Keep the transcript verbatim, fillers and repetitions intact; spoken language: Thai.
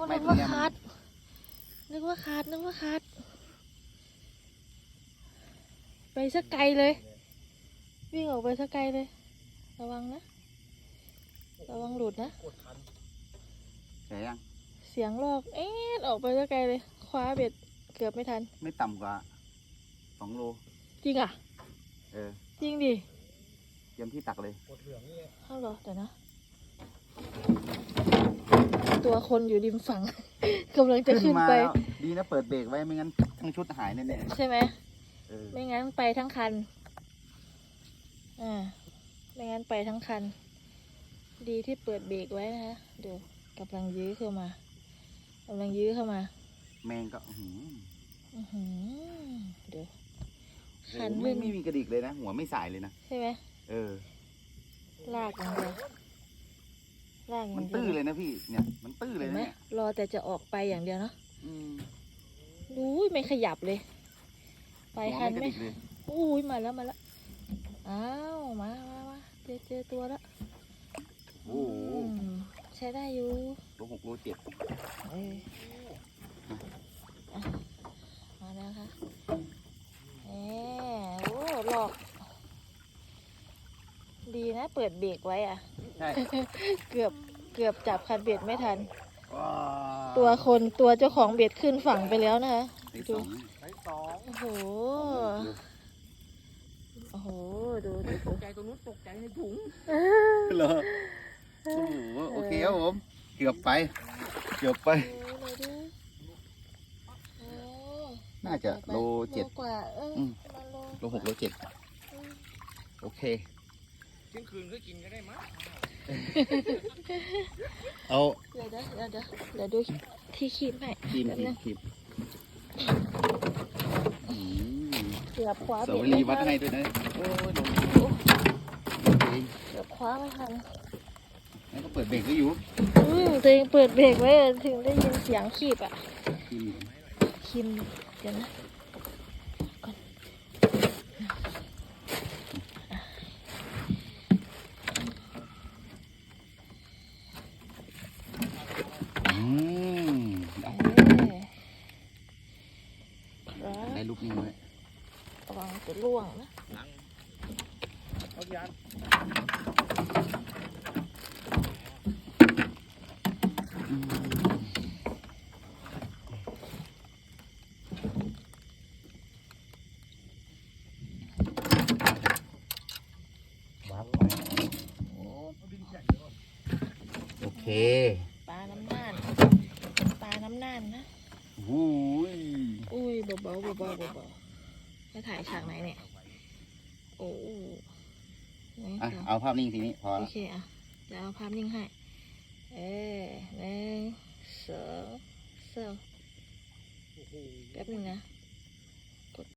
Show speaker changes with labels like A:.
A: นึกว่าขาดนึกว่าขาดนึกว่าขาดไปสักไกลเลยวิ่งออกไปสักไกลเลยระวังนะระวังหลุดนะ
B: เสียยัง
A: เสียงลอกเอ๊ะออกไปสักไกลเลยคว้าเบ็ดเกือบไม่ทัน
B: ไม่ต่ำกว่าสองโล
A: จริงอ่ะ
B: เออ
A: จริงดิ
B: เตรียมที่ตักเลย
A: เข้าเหรอเดี๋ยวนะตัวคนอยู่ริมฝั่งกำลังจะขึ้นไป
B: ดีนะเปิดเบรกไว้ไม่งั้นทั้งชุดหายแน่ๆ
A: ใช่ไหมไม่งั้นไปทั้งคันอ่าไม่งั้นไปทั้งคันดีที่เปิดเบรกไว้นะคะเดี๋ยวกำลังยื้อเข้ามากำลังยื้อเข้ามา
B: แมงก็หื
A: มเดี๋ยว
B: คันไม่ไม่มีกระดิกเลยนะหัวไม่สายเลยนะ
A: ใช่ไหม
B: เออ
A: ลากอย่างเดียวลาก
B: มันตื้อเลยนะพี่เนี่ยมันตื้อเลยนะ
A: รอแต่จะออกไปอย่างเดียวเนาะดูไม่ขยับเลยไปคันไม่อุ้ยมาแล้วมาแล้วอ้าวมามามาเจอเจอตัวแล้ว
B: โอ้
A: ใช้ได้อยู่
B: โลหกโลเจ็ด
A: มาแล้วค่ะเออโอ้หลอกดีนะเปิดเบรกไว้อ่ะ
B: ใช่
A: เกือบเกือบจับคันเบ็ดไม่ทันตัวคนตัวเจ้าของเบ็ดขึ้นฝั่งไปแล้วนะคะดูโอ้โหโอ้โหดูดู
B: ตกใจตรงนู้นตกใจในถุงเหรอโอ้โหโอเคครับผมเกือบไปเกือบไปน่าจะโลเจ็ด
A: กว่าเออ
B: โลหกโลเจ็ดโอเค
C: เที่ยงคืนก็กินก็ได้มั้ง
B: เอา
A: เดี๋ยวเดี๋ยวเดี๋ยวเดี๋ยวดูที่คีบให้
B: คีบคีบ
A: เกือบคว้า
B: เสาลีวัดให้ด้วยนะโอ้ย
A: เกือบคว้าไม่ทัน
B: แล้วก็เปิดเบรกไว้อยู่
A: อืมตัวเองเปิดเบรกไว้ถึงได้ยินเสียงคีบอ่ะคีบเดี๋ยวนะก่อน
B: อืมได้ลูกนี้เลย
A: ระวังจะล่วงนะ
C: เอายาน
B: โอเค
A: ปลาน้ำน่านปลาน้ำน่านนะ
B: อุ้ย
A: อุ้ยเบาเบาเบาเบาเบาจะถ่ายฉากไหนเนี่ยโอ้
B: อ่ะเอาภาพนิ่งทีนี้พอ
A: โอเคอ่ะจะเอาภาพนิ่งให้เออหนึ่งสองสามแป๊บนึงนะ